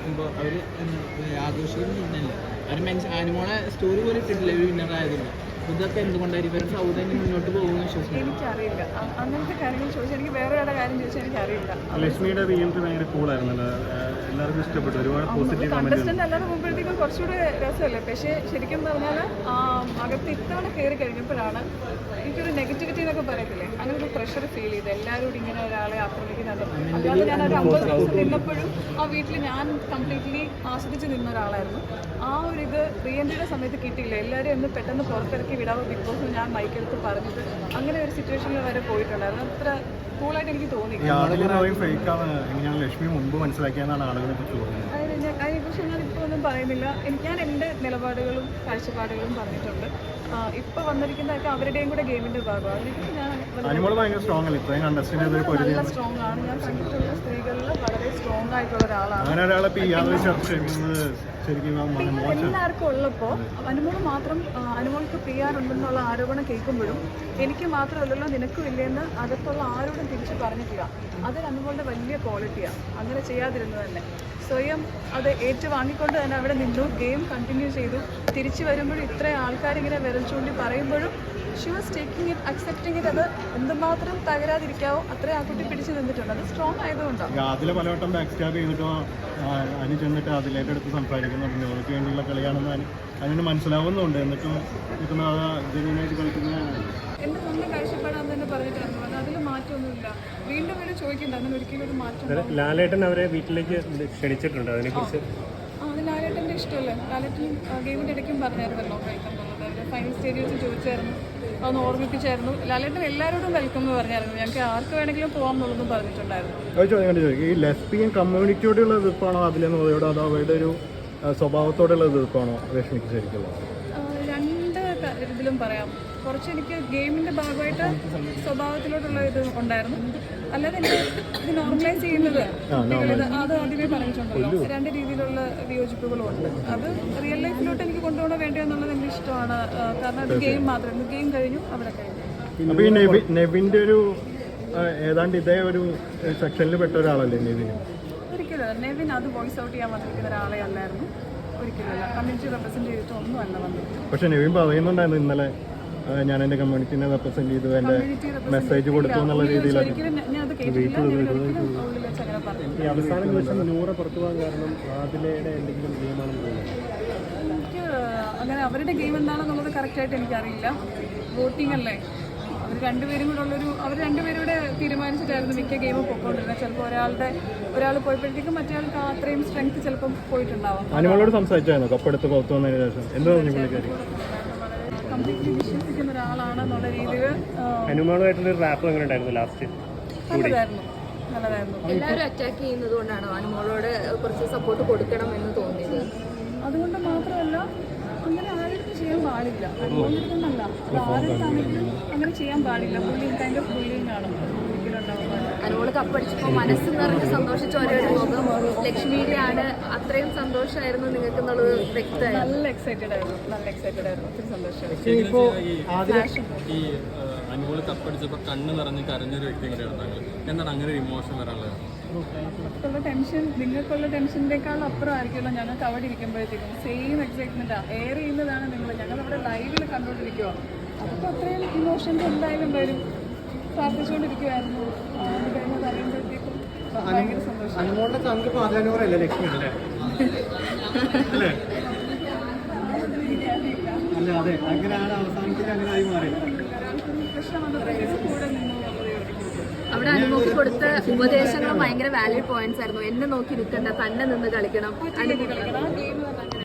ആഘോഷിക്കുമ്പോൾ അവർ ആഘോഷിക്കുന്നില്ല. അവർ അനുമോളെ സ്റ്റോറി പോലും ഇട്ടിട്ടില്ല ഒരു വിന്നറായതുകൊണ്ട്. ഇതൊക്കെ എന്തുകൊണ്ടായിരിക്കും സൗദി മുന്നോട്ട് പോകുമെന്ന് വിശ്വസിക്കുന്നു? എനിക്കറിയില്ല, അങ്ങനത്തെ കാര്യങ്ങൾ ചോദിച്ചാൽ എനിക്ക് വേറെ ഒരാളുടെ കാര്യം ചോദിച്ചാൽ എനിക്കറിയില്ല. ലക്ഷ്മിയുടെ റീഎൻട്രി ഭയങ്കര കൂളായിരുന്നല്ലോ, എല്ലാവർക്കും ഇഷ്ടപ്പെട്ടു, ഒരുപാട് പോസിറ്റീവ് കണ്ടസ്റ്റന്റ് അല്ലാതെ പോകുമ്പോഴത്തേക്കും കുറച്ചുകൂടെ രസമല്ലേ. പക്ഷേ ശരിക്കും പറഞ്ഞാൽ അകത്ത് ഇത്തവണ കയറി കഴിഞ്ഞപ്പോഴാണ് എനിക്കൊരു നെഗറ്റിവിറ്റി എന്നൊക്കെ പറയത്തില്ലേ, അങ്ങനെ ഒരു പ്രഷർ ഫീൽ ചെയ്ത് എല്ലാവരും ഇങ്ങനെ ഒരാളെ ആക്രമിക്കുന്നുണ്ട്. അല്ലാതെ ഞാൻ ഒരു 50 ദിവസം നിന്നപ്പോഴും ആ വീട്ടിൽ ഞാൻ കംപ്ലീറ്റ്ലി ആസ്വദിച്ച് നിന്ന ഒരാളായിരുന്നു. ആ ഒരു ഇത് റീഎൻട്രിയുടെ സമയത്ത് കിട്ടിയില്ല. എല്ലാവരും ഒന്ന് പെട്ടെന്ന് പുറത്തിറക്കി വിടാവോ ബിഗ് ബോസ് ഞാൻ മൈക്കെടുത്ത് പറഞ്ഞിട്ട് അങ്ങനെ ഒരു സിറ്റുവേഷനിൽ വരെ പോയിട്ടുണ്ടായിരുന്നു. അത്ര കൂളായിട്ട് എനിക്ക് തോന്നി. ലക്ഷ്മി മുമ്പ് മനസ്സിലാക്കിയെന്നാണ് ആളുകളെ കുറിച്ച് തോന്നുന്നത്. അതിനെക്കുറിച്ച് ഞാനിപ്പോൾ ഒന്നും പറയുന്നില്ല. ഞാൻ എൻ്റെ നിലപാടുകളും കാഴ്ചപ്പാടുകളും പറഞ്ഞിട്ടുണ്ട്. ഇപ്പോൾ വന്നിരിക്കുന്നതൊക്കെ അവരുടെയും കൂടെ ഗെയിമിൻ്റെ ഭാഗമാണ്. നല്ല സ്ട്രോങ് ആണ്. ഞാൻ കണ്ടിട്ടുള്ള സ്ത്രീകളിൽ വളരെ സ്ട്രോങ് ആയിട്ടുള്ള ഒരാളാണ്. എല്ലാവർക്കും ഉള്ളപ്പോൾ അനുമോൾ മാത്രം അനുമോൾക്ക് PR ഉണ്ടെന്നുള്ള ആരോപണം കേൾക്കുമ്പോഴും എനിക്ക് മാത്രമല്ലല്ലോ നിനക്കും ഇല്ലെന്ന് അകത്തുള്ള ആരോടും തിരിച്ചു പറഞ്ഞിട്ടില്ല. അത് അനുമോളുടെ വലിയ ക്വാളിറ്റിയാണ്. അങ്ങനെ ചെയ്യാതിരുന്നത് തന്നെ സ്വയം അത് ഏറ്റുവാങ്ങിക്കൊണ്ട് തന്നെ അവിടെ നിന്നു, ഗെയിം കണ്ടിന്യൂ ചെയ്തു. തിരിച്ചു വരുമ്പോഴും ഇത്രയും ആൾക്കാരിങ്ങനെ വിരൽ ചൂണ്ടി പറയുമ്പോഴും she was taking it, accepting it. അത് എന്തുമാത്രം തകരാതിരിക്കാവോ അത്രയും ആ കുട്ടി പിടിച്ചു നിന്നിട്ടുണ്ട്. അത് സ്ട്രോങ് ആയതുകൊണ്ടാണ്. അതിലെ പലവട്ടം ബാക്ക് സ്റ്റാബ് ചെയ്തിട്ടോ അതിന് ചെന്നിട്ട് അതിലേക്ക് എടുത്ത് സംസാരിക്കുന്നുണ്ട്. നോക്ക് വേണ്ടിയുള്ള കളിയാണെന്ന് അതിന് മനസ്സിലാവുന്നുണ്ട്. എന്നിട്ടും ജനുവിനായിട്ട് കളിക്കുന്നതാണ്. എൻ്റെ സ്വന്തം കാഴ്ചപ്പാടാന്ന് തന്നെ പറഞ്ഞിട്ടായിരുന്നു. അത് അതിൽ മാറ്റമൊന്നുമില്ല. വീണ്ടും വീണ്ടും ചോദിക്കണ്ട, അങ്ങനെ ഒരിക്കലും ഒരു മാറ്റം. ലാലേട്ടൻ അവരെ വീട്ടിലേക്ക് ക്ഷണിച്ചിട്ടുണ്ട്, അതിനെക്കുറിച്ച്. അത് ലാലേട്ടൻ്റെ ഇഷ്ടമല്ലേ. ലാലേട്ടൻ ഗെയിമിൻ്റെ ഇടയ്ക്കും പറഞ്ഞായിരുന്നല്ലോ വെൽക്കം എന്നുള്ളത്. അവർ ഫൈനൽ സ്റ്റേജിൽ വെച്ച് ചോദിച്ചായിരുന്നു, അതൊന്ന് ഓർമ്മിപ്പിച്ചായിരുന്നു. ലാലേട്ടൻ എല്ലാവരോടും വെൽക്കം എന്ന് പറഞ്ഞായിരുന്നു. ഞങ്ങൾക്ക് ആർക്ക് വേണമെങ്കിലും പോകാം എന്നുള്ളതും പറഞ്ഞിട്ടുണ്ടായിരുന്നു. ഈ ലെസ്ബിയൻ കമ്മ്യൂണിറ്റിയോടുള്ള എതിർപ്പാണോ അതിലെന്നോട്, അതോ അവരുടെ ഒരു സ്വഭാവത്തോടുള്ള എതിർപ്പാണോ രശ്മിക്ക് ശരിക്കുള്ളത്? രണ്ട് ഇതിലും പറയാം. കുറച്ച് എനിക്ക് ഗെയിമിൻ്റെ ഭാഗമായിട്ട് സ്വഭാവത്തിലോട്ടുള്ള ഇത് ഉണ്ടായിരുന്നു. അല്ലാതെ എനിക്ക് ഇത് നോർമലൈസ് ചെയ്യുന്നത് അത് ആദ്യമേ പറഞ്ഞിട്ടുണ്ടല്ലോ. രണ്ട് രീതിയിലുള്ള വിയോജിപ്പുകളും ഉണ്ട്. അത് റിയൽ ലൈഫിലോട്ട് എനിക്ക് കൊണ്ടുപോകണോ വേണ്ടോ എന്നുള്ളത് എനിക്ക് ഇഷ്ടമാണ്. കാരണം അത് ഗെയിം മാത്രമായിരുന്നു. ഗെയിം കഴിഞ്ഞു, അവിടെ കഴിഞ്ഞു. അപ്പോൾ ഈ നെവിൻ്റെ ഒരു ഏതാണ്ട് ഇതേ ഒരു സെക്ഷനിൽ പെട്ട ഒരാളല്ലേ നെവിൻ? ഒരിക്കലും നെവിൻ അത് വോയിസ് ഔട്ട് ചെയ്യാൻ വന്നിരിക്കുന്ന ഒരാളെ അല്ലായിരുന്നു. ഒരിക്കലല്ല. കമ്മ്യൂണിറ്റി റെപ്രസെന്റ് ചെയ്തിട്ട് ഒന്നും അല്ല വന്നത്. പക്ഷെ നെവിൻ പറയുന്നുണ്ടായിരുന്നു ഇന്നലെ ഞാൻ എൻ്റെ കമ്മ്യൂണിറ്റിനെ റെപ്രസെന്റ് ചെയ്തു, എൻ്റെ മെസ്സേജ് കൊടുത്തു എന്നുള്ള രീതിയിലൊക്കെ. ഈ അവസാന ദിവസം 100 പുറത്തു പോകാൻ കാരണം ആദിലയുടെ എന്തെങ്കിലും ഗെയിമാണെന്ന് തോന്നുന്നു. എനിക്ക് അങ്ങനെ അവരുടെ ഗെയിം എന്താണെന്നുള്ളത് കറക്റ്റായിട്ട് എനിക്കറിയില്ല. വോട്ടിംഗ് അല്ലേ, അവർ രണ്ടുപേരും കൂടെ തീരുമാനിച്ചിട്ടായിരുന്നു മിക്ക ഗെയിമും പൊയ്ക്കൊണ്ടിരുന്നത്. ചിലപ്പോൾ ഒരാൾ പോയപ്പോഴത്തേക്കും മറ്റേ ആൾക്ക് അത്രയും സ്ട്രെങ്ത് ചിലപ്പം പോയിട്ടുണ്ടാവാം. അനുമോളോട് സംസാരിച്ചായിരുന്നു കപ്പെടുത്ത് പുറത്തു വന്നതിന് ശേഷം? എന്താ പറഞ്ഞു പുള്ളിക്കാരി? കംപ്ലീറ്റ്ലി വിശ്വസിക്കുന്ന ഒരാളാണെന്നുള്ള രീതിയിൽ. അനുമോളുമായിട്ടുള്ള റാപ്പ് എങ്ങനെ ഉണ്ടായിരുന്നു ലാസ്റ്റ്? നല്ലതായിരുന്നു. എല്ലാവരും അറ്റാക്ക് ചെയ്യുന്നത് കൊണ്ടാണോ അനുമോളോട് കുറച്ച് സപ്പോർട്ട് കൊടുക്കണം എന്ന് തോന്നിയത്? അതുകൊണ്ട് മാത്രമല്ല, അങ്ങനെ ആരും ചെയ്യാൻ പാടില്ല. അതുകൊണ്ടൊന്നല്ല, അത് ആർക്കാണെങ്കിലും അങ്ങനെ ചെയ്യാൻ പാടില്ല. ബുള്ളിങ് കൈൻഡ് ഓഫ് ബുള്ളിങ് ആണ് ഒരിക്കലും ഉണ്ടാവാൻ. അനുമോള് കപ്പടിച്ചപ്പോൾ മനസ്സ് നിറഞ്ഞ് സന്തോഷിച്ച ഓരോ മുഖം ലക്ഷ്മിയുടെ ആണ്. അത്രയും സന്തോഷമായിരുന്നു നിങ്ങൾക്ക് എന്നുള്ളത് വ്യക്തമായി. നല്ല എക്സൈറ്റഡ് ആയിരുന്നു. ഒത്തിരി സന്തോഷമായി. ഈ അനുമോള് കപ്പടിച്ചപ്പോൾ കണ്ണ് നിറഞ്ഞ് കരഞ്ഞൊരു വ്യക്തി കൂടെയാണ്. എന്താണ് അങ്ങനെ ഒരു ഇമോഷൻ വരാനുള്ളത്? നിങ്ങൾക്കുള്ള ടെൻഷനേക്കാൾ അപ്പുറം ആയിരിക്കുമല്ലോ ഞങ്ങൾക്ക് അവിടെ ഇരിക്കുമ്പോഴത്തേക്കും. സെയിം എക്സൈറ്റ്മെൻറ്റാണ്. എയർ ചെയ്യുന്നതാണ് ഞങ്ങളവിടെ ലൈവിൽ കണ്ടുകൊണ്ടിരിക്കുക. അപ്പോൾ അത്രയും ഇമോഷൻസ് എന്തായാലും വരും. പ്രാർത്ഥിച്ചുകൊണ്ടിരിക്കുമായിരുന്നു. അത് കഴിഞ്ഞത് അറിയുമ്പോഴത്തേക്കും ഭയങ്കര സന്തോഷം. പ്രശ്നം വന്നപ്പോഴത്തേക്കും കൂടെ നിന്നു. അവിടെ അനുമോക്ക് കൊടുത്ത ഉപദേശങ്ങൾ ഭയങ്കര വാലിഡ് പോയിന്റ്സ് ആയിരുന്നു. എന്നെ നോക്കി നിൽക്കണ്ട, തന്നെ നിന്ന് കളിക്കണം.